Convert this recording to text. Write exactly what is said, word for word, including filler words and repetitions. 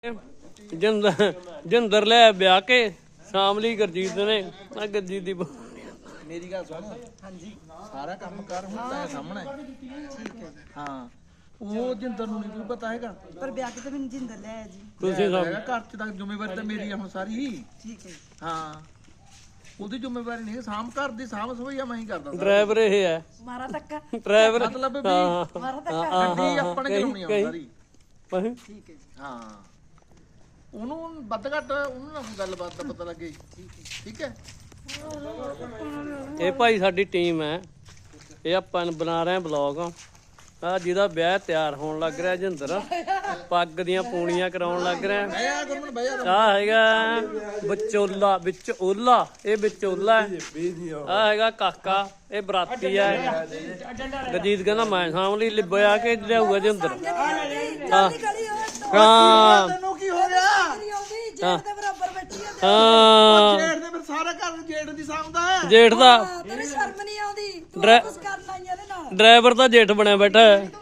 ਜਿੰਦਰ ਜਿੰਦਰ ਲੈ ਵਿਆਹ ਕੇ ਸ਼ਾਮ ਲਈ ਗੁਰਜੀਤ ਨੇ ਆ ਗੁਰਜੀਤ ਦੀ ਮੇਰੀ ਗੱਲ ਸੁਣ ਹਾਂਜੀ ਸਾਰਾ ਕੰਮ ਕਰ ਹੁਣ ਤਾਂ ਸਾਹਮਣੇ ਠੀਕ ਹੈ ਹਾਂ ਉਹ ਜਿੰਦਰ ਨੂੰ ਨਹੀਂ ਪਤਾ ਹੈਗਾ ਪਰ ਵਿਆਹ ਕੇ ਤਾਂ ਮੈਨੂੰ ਜਿੰਦਰ ਲੈ ਆਇਆ ਜੀ ਤੁਸੀਂ ਸਭ ਘਰ ਚ ਤਾਂ ਜ਼ਿੰਮੇਵਾਰੀ ਤਾਂ ਮੇਰੀ ਆ ਹੁਣ ਸਾਰੀ ਠੀਕ ਹੈ ਹਾਂ ਉਹਦੀ ਜ਼ਿੰਮੇਵਾਰੀ ਨਹੀਂ ਸਾਂਭ ਘਰ ਦੀ ਸਾਂਭ ਸਭਈਆ ਮੈਂ ਹੀ ਕਰਦਾ ਡਰਾਈਵਰ ਇਹ ਹੈ ਮਾਰਾ ਧੱਕਾ ਡਰਾਈਵਰ ਮਤਲਬ ਵੀ ਹਾਂ ਮਾਰਾ ਧੱਕਾ ਗੱਡੀ ਆਪਣੇ ਚਲਾਉਣੀ ਆ ਸਾਰੀ ਹਾਂ ਠੀਕ ਹੈ ਜੀ ਹਾਂ ਉਹਨੂੰ ਵੱਧ ਘੱਟ ਉਹਨੂੰ ਨਾ ਗੱਲਬਾਤ ਦਾ ਪਤਾ ਲੱਗੇ ਠੀਕ ਹੈ ਇਹ ਭਾਈ ਸਾਡੀ ਟੀਮ ਹੈ ਇਹ ਆਪਾਂ ਬਣਾ ਰਹੇ ਬਲੌਗ ਆ ਜਿਹਦਾ ਵਿਆਹ ਤਿਆਰ ਹੋਣ ਲੱਗ ਰਿਹਾ ਜਿੰਦਰ ਪੱਗ ਦੀਆਂ ਪੂਣੀਆਂ ਕਰਾਉਣ ਲੱਗ ਰਿਹਾ ਬਈਆ ਗੁਰਮਨ ਬਈਆ ਆ ਹੈਗਾ ਵਿਚੋਲਾ ਵਿੱਚ ਓਲਾ ਇਹ ਵਿਚੋਲਾ ਆ ਹੈਗਾ ਕਾਕਾ ਇਹ ਬਰਾਤੀ ਹੈ ਗਜੀਤ ਕਹਿੰਦਾ ਮੈਂ ਸਾਂਭ ਲਈ ਲਿਬਿਆ ਕੇ ਲਿਆਊਗਾ ਜਿੰਦਰ ਹਾਂ ਹਾਂ ਤੈਨੂੰ ਕੀ ਹੋ ਗਿਆ ਜੇਠ ਦੇ ਬਰਾਬਰ ਬੈਠੀ ਆ ਹਾਂ ਜੇਠ ਦੇ ਫਿਰ ਸਾਰਾ ਘਰ ਜੇਠ ਦੀ ਸਾਂਭਦਾ ਹੈ ਜੇਠ ਦਾ ਤੇਰੀ ਸ਼ਰਮ ਨਹੀਂ ਆਉਂਦੀ ਤੂੰ ਡਰਾ- ਕੁਝ ਕਰਨ ਆਈ ਇਹਦੇ ਨਾਲ ਡਰਾਈਵਰ ਤਾਂ ਜੇਠ ਬਣਿਆ ਬੈਠਾ ਹੈ